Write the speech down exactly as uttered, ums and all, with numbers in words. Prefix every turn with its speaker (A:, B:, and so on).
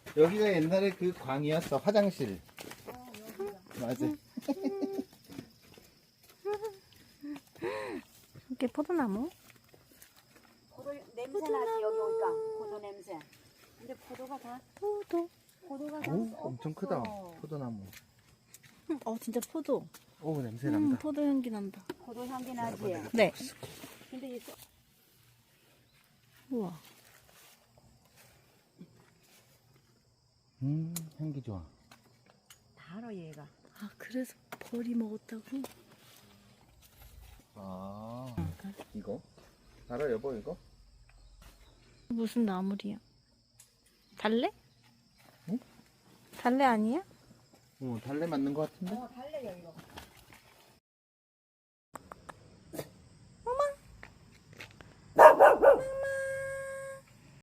A: 여기가 옛날에 그 광이었어. 화장실.
B: 어, 여기가.
A: 맞아.
C: 이게 포도나무?
B: 포도 냄새 나지 여기 오니까 포도 냄새. 근데 포도가 다
C: 포도.
B: 포도가 다
A: 오,
B: 썩었어.
A: 엄청 크다. 포도나무.
C: 어, 진짜 포도.
A: 오, 냄새
C: 음,
A: 난다.
C: 포도 향기 난다.
B: 포도 향기 나지.
C: 네.
B: 근데 이 썩-
C: 우와.
A: 음, 향기 좋아.
B: 다 알아 얘가.
C: 아, 그래서 벌이 먹었다고?
A: 아, 이거? 알아, 여보, 이거?
C: 무슨 나물이야? 달래?
A: 응?
C: 달래 아니야?
A: 어, 달래 맞는 것 같은데?
B: 어 달래요 이거.